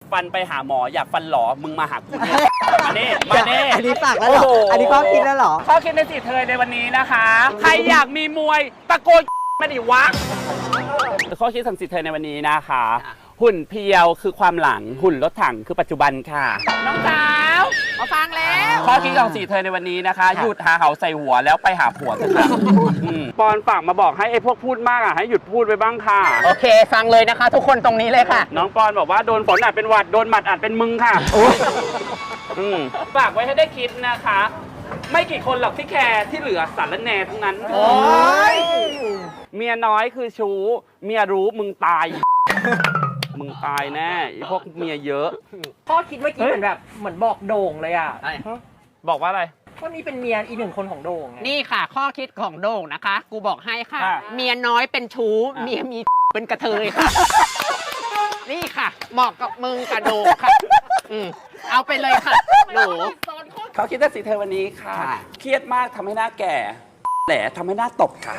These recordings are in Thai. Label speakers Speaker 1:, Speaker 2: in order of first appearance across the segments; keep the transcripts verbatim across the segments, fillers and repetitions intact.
Speaker 1: ฟันไปหาหมออยากฟันหลอมึงมาหากูเนี่ยมาเน่มาเน่
Speaker 2: อันนี้ฝากแล้วเหรออันนี้ข้อคิดแล้วเหรอ
Speaker 1: ข้อคิดในสิเธอในวันนี้นะคะใครอยากมีมวยตะโกนไม่ดิวะข้อคิดสัมสิทธิ์เธอในวันนี้นะคะหุ่นเพียวคือความหลังหุ่นรถถังคือปัจจุบันค่ะน้องสาวมาฟังแล้วข้อคิดของสีเธอในวันนี้นะคะหยุดหาเหาใส่หัวแล้วไปหาผัวเถอะค่ะปอนฝากมาบอกให้ไอ้พวกพูดมากอ่ะให้หยุดพูดไปบ้างค่ะ
Speaker 3: โอเคฟังเลยนะคะ ทุกคนตรงนี้เลยค่ะ
Speaker 1: น้องปอนบอกว่าโดนฝนอาจเป็นหวัดโดนหมัดอาจเป็นมึงค่ะฝากไว้ให้ได้คิดนะคะไม่กี่คนหรอกที่แคร์ที่เหลือสารแหน่ทั้งนั้นโอ้ยเมียน้อยคือชู้เมียรู้มึงตายมึงตายแน่ไอ้พวกเมียเยอะ
Speaker 3: พ่อคิดเมื่อกี้เหมือนแบบเหมือนบอกโด่งเลยอ่ะ
Speaker 1: บอกว่าอะไร
Speaker 3: ว่านี่เป็นเมียอีกหนึ่งคนของโด่งนี่ค่ะข้อคิดของโด่งนะคะกูบอกให้ค่ะเมียน้อยเป็นชู้เมียมีเป็นกระเทยค่ะนี่ค่ะเหมาะกับมึงกับโด่งค่ะเอาไปเลยค่ะหนู
Speaker 1: เขาคิดว่าสิเธอวันนี้ค่ะเครียดมากทำให้หน้าแก่แหละทำให้หน้าตบค่ะ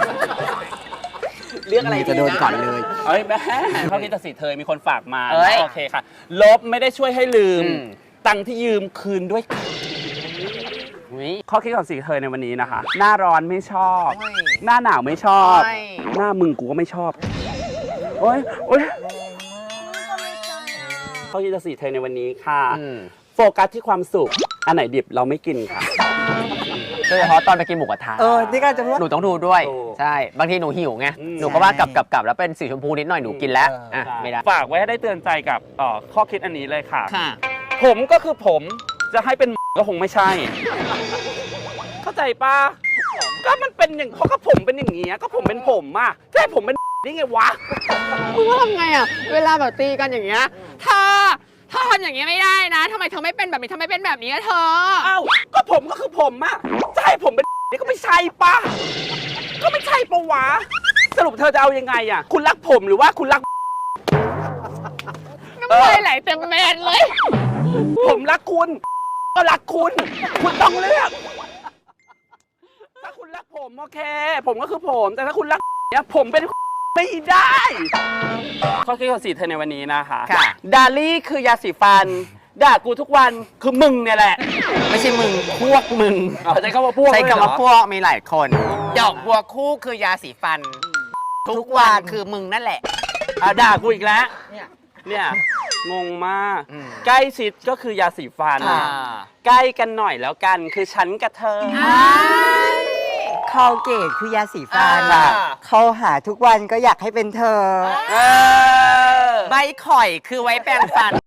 Speaker 2: เรื่องอะไรจะโดนก่อนเลย
Speaker 1: เอ้ยแม่เขาคิดว่าสิเธอมีคนฝากมาโอเคค่ะลบไม่ได้ช่วยให้ลืมตังค์ที่ยืมคืนด้วยข้อคิดของสีเธอในวันนี้นะคะหน้าร้อนไม่ชอบหน้าหนาวไม่ชอบหน้ามึงกูก็ไม่ชอบโอ๊ยโอ๊ยข้อคิดของสีเธอในวันนี้ค่ะโฟกัสที่ความสุขอันไหนดิบเราไม่กินค่ะ
Speaker 3: โดยเฉพาะตอนไปกินหมูกระทะ
Speaker 2: เออนี่ก็จะพูด
Speaker 3: หนูต้องดูด้วยใช่บางทีหนูหิวไงหนูก็ว่ากลับกลับกลับแล้วเป็นสีชมพูนิดหน่อยหนูกินแล้วอ่ะไม่ได้
Speaker 1: ฝากไว้ให้ได้เตือนใจกับข้อคิดอันนี้เลยค่ะผมก็คือผมจะให้เป็นก็คงไม่ใช่เข้าใจป่ะก็มันเป็นอย่างเขาก็ผมเป็นอย่างเงี้ยก็ผมเป็นผมอ่ะใช่ผมเป็นนี่ไงวะ
Speaker 3: มึงว่าทำไงอ่ะเวลาแบบตีกันอย่างเงี้ยเธอเธอทำอย่างนี้ไม่ได้นะทำไมเธอไม่เป็นแบบนี้ทำไมเป็นแบบนี้เธอ
Speaker 1: อ้าวก็ผมก็คือผมอ่ะจะให้ผมเป็นนี่ก็ไม่ใช่ป่ะก็ไม่ใช่ปะวะสรุปเธอจะเอายังไงอ่ะคุณรักผมหรือว่าคุณรัก
Speaker 3: น้ำลายไหลเต็มแมนเลย
Speaker 1: ผมรักคุณก็รักคุณคุณต้องเลือกถ้าคุณรักผมโอเคผมก็คือผมแต่ถ้าคุณรักเนี่ยผมเป็นไม่ได้ข้อคิดของสีเธอในวันนี้นะคะดาลี่คือยาสีฟันด่ากูทุกวันคือมึงเนี่ยแหละ
Speaker 3: ไม่ใช่มึงพวกมึง
Speaker 1: ใช้คำว่าพวก
Speaker 3: ใช้คำว่าพวกมีหลายคนดอกบัวคู่คือยาสีฟันทุกวันคือมึงนั่นแหละ
Speaker 1: อ่ะด่ากูอีกแล้วเนี่ยงงมากใกล้ชิดก็คือยาสีฟันใกล้กันหน่อยแล้วกันคือฉันกับเธอ
Speaker 2: คอลเกตคือยาสีฟันเขาหาทุกวันก็อยากให้เป็นเธอ
Speaker 3: ใบข่อยคือไว้แปรงฟัน